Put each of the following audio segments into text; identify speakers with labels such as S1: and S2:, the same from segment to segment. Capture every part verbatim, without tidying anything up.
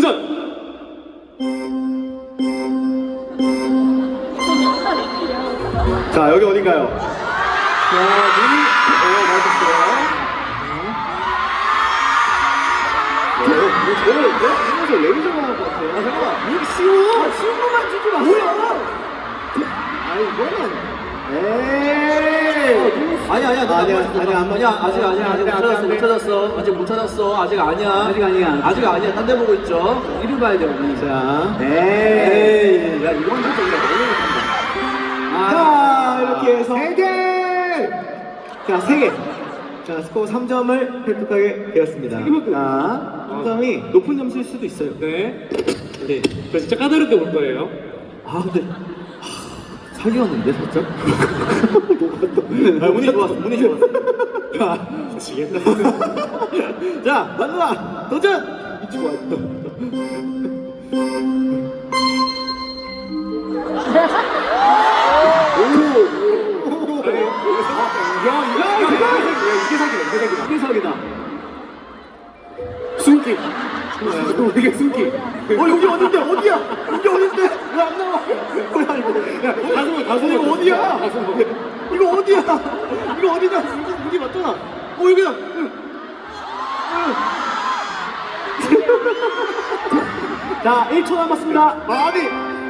S1: 도전! 자, 여기 어딘가요? 자, 눈이, 어, 맞았어요. 뭐, 저를, 내 눈에서 레이저가 나올 것 같아요. 아, 잠깐만. 이게 쉬워. 아, 쉬운 것만 주지 마. 뭐야? 아이, 이거는. 에이.
S2: 아니 아니야 아니야
S1: 아니야,
S2: 아니야
S1: 아니야,
S2: 아니야 아직 아니야 아직 못
S1: 안 돼,
S2: 찾았어
S1: 안
S2: 못
S1: 돼.
S2: 찾았어 아직 못 찾았어 아직 아니야
S1: 아직 아니야.
S2: 아직 아니야 딴 데 보고 있죠 이리 봐야 돼 우리
S1: 자, 에이.
S2: 에이 야 이건 진짜 우리가 너무 못한다
S1: 자, 이렇게 해서 세 개! 자, 세 개. 자, 스코어 삼 점을 획득하게 되었습니다. 자, 삼 점이 높은 점수일 수도 있어요.
S3: 네. 네. 저 진짜 까다롭게 볼 거예요.
S2: 아 근데 하, 사기였는데 살짝
S1: 아, 운이 좋았어, 운이 좋았어. 자,
S3: 미치겠다.
S1: 자, 만누나 도전! 이 친구 왔어. 야, 야, 이게 사기다, 이게 사기다. 이게 사기다.
S3: 숨기. 이게 숨기.
S1: 어, 여기 어딘데? 어디야? 여기 어딘데? 왜 안 나와? 뭐야, 이거. 야,
S3: 다솜아, 다솜아.
S1: 이거 어디야?
S3: 다솜아.
S1: 이거 어디야? 이거 어디냐? 여기, 여기 맞잖아. 어, 여기다. 응. 응. 자, 일 초 남았습니다. 아니.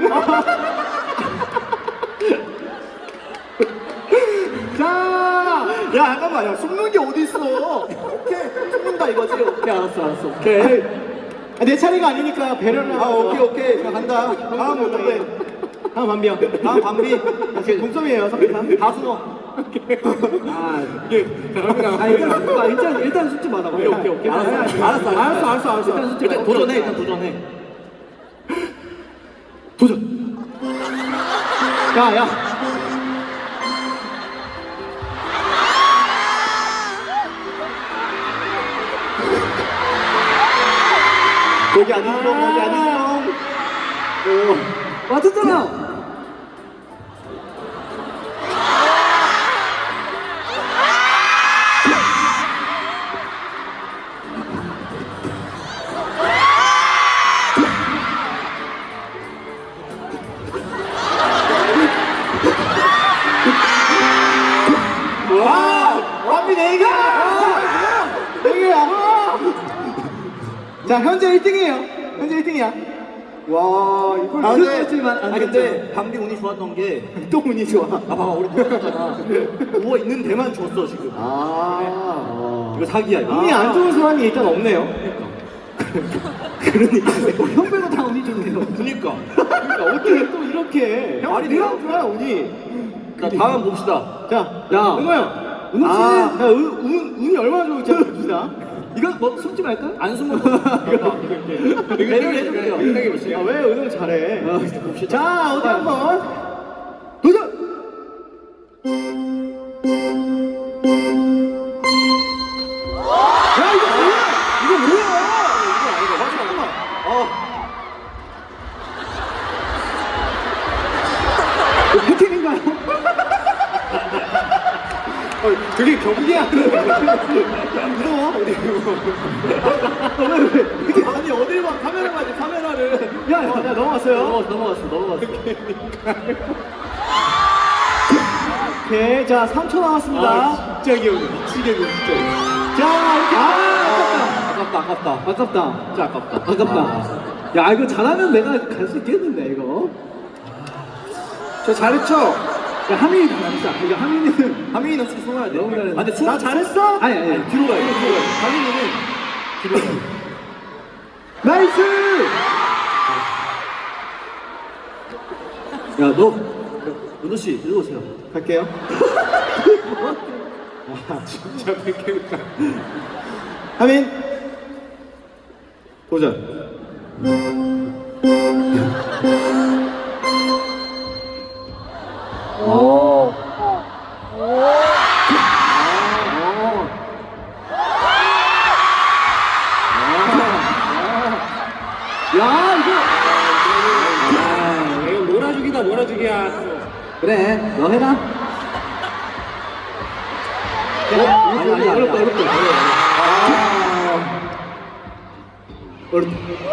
S1: 자, 야, 잠깐만, 야, 숨는 게 어디 있어? 오케이, 숨는다 이거지. 오케이, 알았어, 알았어. 오케이. 아, 내 차례가 아니니까 배려를.
S2: 아 오케이 오케이 자 간다
S1: 다음 어떤데? 다음 반비요.
S2: 다음 밤비
S1: 오케이, 동점이에요, 삼 대 삼.
S2: 다 숨어
S1: 아,
S3: 예. 자, 갑니다.
S1: 아, 일단 숙제 봐. 일단 일단 숙제 받아. 오케이, 오케이, 오케이.
S2: 알았어,
S1: 알았어, 알았어, 알았어, 알았어, 알았어.
S2: 일단 숙제 일단 도전해 일단 도전해
S1: 도전. 야, 야. 거기 아니죠, 거기 아니죠. 오, 맞았잖아. 와, 완비 네 개야. 네 개야. 자, 현재 일 등이에요. 현재 일 등이야. 와, 이걸
S2: 아 근데,
S1: 들었지만 안
S2: 아,
S1: 됐죠.
S2: 근데 밤비 운이 좋았던 게
S1: 또 운이 좋아.
S2: 아 봐봐 우리 누웠잖아 누워 있는 데만 줬어 지금
S1: 아,
S2: 이거 사기야 이거
S1: 운이 안 좋은 사람이 일단 없네요. 그러니까. 형 빼고 다 운이 좋네요.
S2: 그니까
S1: 그러니까 어떻게 또 이렇게. 형,
S2: 말이
S1: 내가
S2: 돼요?
S1: 좋아, 운이.
S2: 자 다음 봅시다
S1: 자,
S2: 야.
S1: 은호 형. 은호 씨. 아, 야, 운, 운, 운이 얼마나 좋을지 한번 봅시다. 이거 뭐 숨지 말까?
S2: 안 숨어 배려를 해줄게요
S3: 생각해 보세요.
S1: 아, 왜 은호 잘해? 자, 어디 한번 도전! 야, 이거 뭐야? 이거 뭐야? 이거 아니다. 맞아, 잠깐만. 어. 이거 패팅인가요? 어, 되게 경계하는. 무서워? 어디? 왜, 왜? 아니, 어딜 봐. 카메라 봐야지, 카메라를. 야, 야, 야, 넘어갔어요.
S2: 넘어갔어 넘어갔어 넘어갔어
S1: 오케이, 자, 삼 초 남았습니다.
S3: 아, 진짜 귀여워. 미치겠네, 진짜.
S1: 자, 이렇게.
S2: 아 아깝다 아깝다
S1: 아깝다.
S2: 진짜 아깝다
S1: 아깝다. 야, 이거 잘하면 내가 갈 수 있겠는데, 이거.
S2: 저 잘했죠?
S1: 야, 하민이 잘한다. 이거 하민이는.
S2: 하민이는 혹시 숨어야 돼
S1: 너무 잘했네.
S2: 아 근데 숨
S1: 나 잘했어?
S2: 아니 아니 아니 뒤로 가야 돼 뒤로 가야 돼 하민이는 뒤로 가야 돼
S1: 나이스!
S2: 야, 너, 은호 씨, 일로 오세요.
S1: 갈게요.
S3: 진짜 백개니까.
S1: 하민. 도전. 오. 야, 이거.
S3: 아, 이거 놀아주기다, 놀아주기야.
S1: 그래, 너 해라.
S2: 아니, 아니, 아니.
S1: 어렵다, 어렵다.
S2: 어른.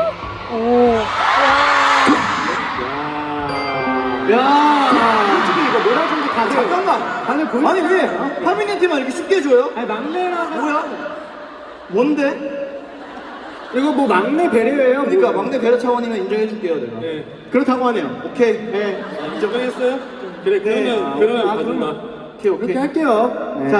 S1: 야, 솔직히 이거 뭐라 좀더 다 잠깐만.
S2: 아니 보여.
S1: 아니 왜 하민이한테만 이렇게 쉽게 줘요?
S3: 아니 막내라서.
S1: 뭐야? 뭔데?
S3: 이거 뭐 막내 배려예요.
S1: 그러니까
S3: 뭐.
S1: 막내 배려 차원이면 인정해줄게요 내가.
S3: 네.
S2: 그렇다고 하네요.
S1: 오케이. 네.
S3: 인정했어요? 그래
S1: 네.
S3: 그러면
S1: 아,
S3: 그러면
S1: 아,
S3: 가지 마.
S1: 오케이 오케이.
S2: 그렇게 할게요.
S1: 네.
S2: 자.